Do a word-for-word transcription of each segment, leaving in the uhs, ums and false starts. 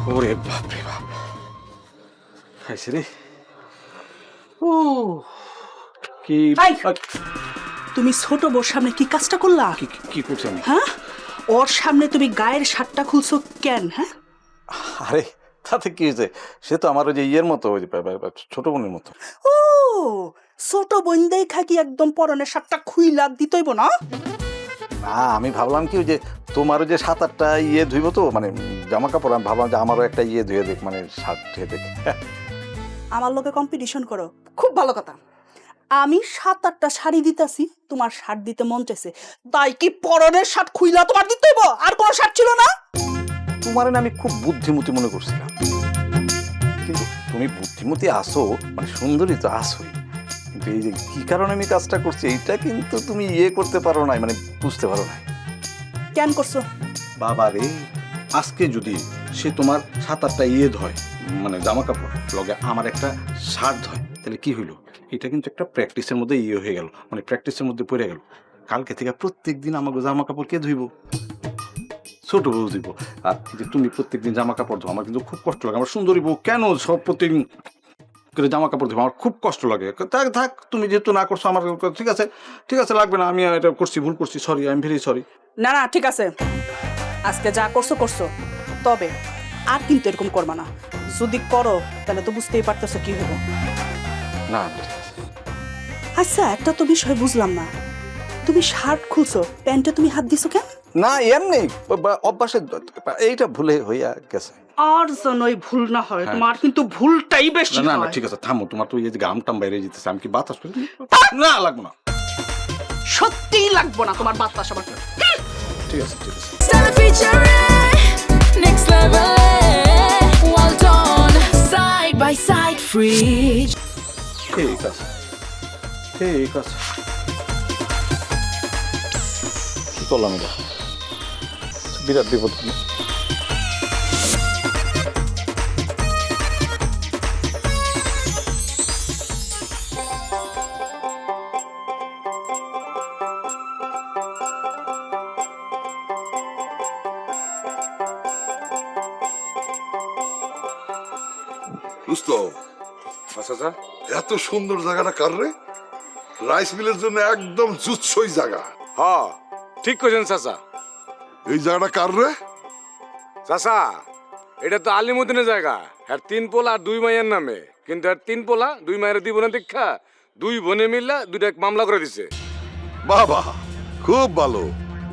ওরে বাপ রে বাপ, খাইছে রে। ও কি হাই! তুমি ছোট বউর সামনে কি কাজটা করলা? কি কি- কি করছি আমি? হ্যাঁ, ওর সামনে তুমি গায়ের শার্টটা খুলছো কেন? হ্যাঁ, আরে তাতে কি হয়েছে? সে তো আমার ওই যে ইয়ের মতো, ওই যে বা- বা- বা ছোট বোনের মতো। ও ছোট বোন দেখা কি একদম পরনের শার্টটা খুইলা দিতেইব না? না, আমি ভাবলাম কি ওই যে তোমারও যে সাত আটটা ইয়ে ধুইব তো, মানে জামা কাপড়, আমি ভাবলাম যে আমারও একটা ইয়ে ধুয়ে দেখ, মানে শার্ট ধুয়ে দেখ। আমার লোকে কম্পিটিশন করো, খুব ভালো কথা। আমি সাত আটটা শাড়ি দিতেছি, তোমার শার্ট দিতে মন চাইছে, তাই কি পরনের শার্ট খুইলা তোমার দিতেইব? আর কোনো শার্ট ছিল না? তোমার না আমি খুব বুদ্ধিমতী মনে করছিলাম, কিন্তু তুমি বুদ্ধিমতী আসো, মানে সুন্দরী তো আসোই, কিন্তু এই যে কি কারণে আমি কাজটা করছি এইটা কিন্তু তুমি ইয়ে করতে পারো নাই, মানে বুঝতে পারো নাই। কেন করছো? বাবা রে, আজকে যদি সে তোমার সাত আটটা ইয়ে ধয়, মানে জামা কাপড়, লগে আমার একটা শার্ট ধয়, তাহলে কি হইলো? এটা কিন্তু একটা প্র্যাকটিসের মধ্যে ইয়ে হয়ে গেল, মানে প্র্যাকটিসের মধ্যে পড়ে গেল। কালকে থেকে প্রত্যেক দিন আমাকে জামা কাপড় কে ধুইব? ছোট বউ দিব। আর যে তুমি প্রত্যেকদিন জামা কাপড় ধো, আমার কিন্তু খুব কষ্ট লাগে। আমার সুন্দরী বউ কেন সব প্রত্যেকদিন করে জামা কাপড় ধোবো? আমার খুব কষ্ট লাগে। থাক থাক, তুমি যেহেতু না করছো, আমার ঠিক আছে, ঠিক আছে, লাগবে না, আমি এটা করছি, ভুল করছি, sorry, I am very sorry. না না, ঠিক আছে, আজকে যা করছো করছো, তবে আর কিন্তু এরকম করবা না। যদি করো তাহলে তো বুঝতেই পারতেছো কি হবো। না, আচ্ছা, একটা তো বিষয় বুঝলাম না, তুমি শার্ট খুলছো, প্যান্টে তুমি হাত দিছো কেন? না এমনি অভ্যাসে এইটা ভুলে হইয়া গেছে। আর যেন এই ভুল না হয়, তোমার কিন্তু ভুলটাই বেশি না না না, হয়। ঠিক আছে, থামো, তোমার তো এই যে গাম টাম বাইরে যেতেছে, আমি কি বাতাস করি? না, লাগবো না। সত্যিই লাগবো না তোমার বাতাস আমার। ঠিক আছে, ঠিক আছে। Stella featuring next level. Well done, side by side, free. ঠিক আছে, ঠিক আছে। কি করলাম এটা? বিরাট বিপদ। বুঝতো আচ্ছা এত সুন্দর জায়গাটা কার রে? রাইস মিলের জন্য একদম জুৎসই জায়গা। হ্যাঁ, ঠিক কইছেন চাচা। এই জায়গাটা কার রে? চাচা, এটা তো আলিমুদ্দিনের জায়গা, আর তিন পোলা আর দুই মাইয়ের নামে, কিন্তু আর তিন পোলা দুই মায়ের দুই বোনের দীক্ষা দুই বোনে মিল্লা দুইটা এক মামলা করে দিছে। বাবা, খুব ভালো।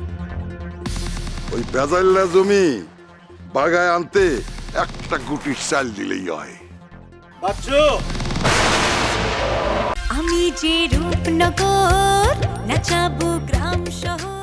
ওই বেজাইল্লা জমি বাগায় আনতে একটা গুটির চাল দিলেই হয়। আমি যে রূপনগর নাচাবো গ্রাম শহর।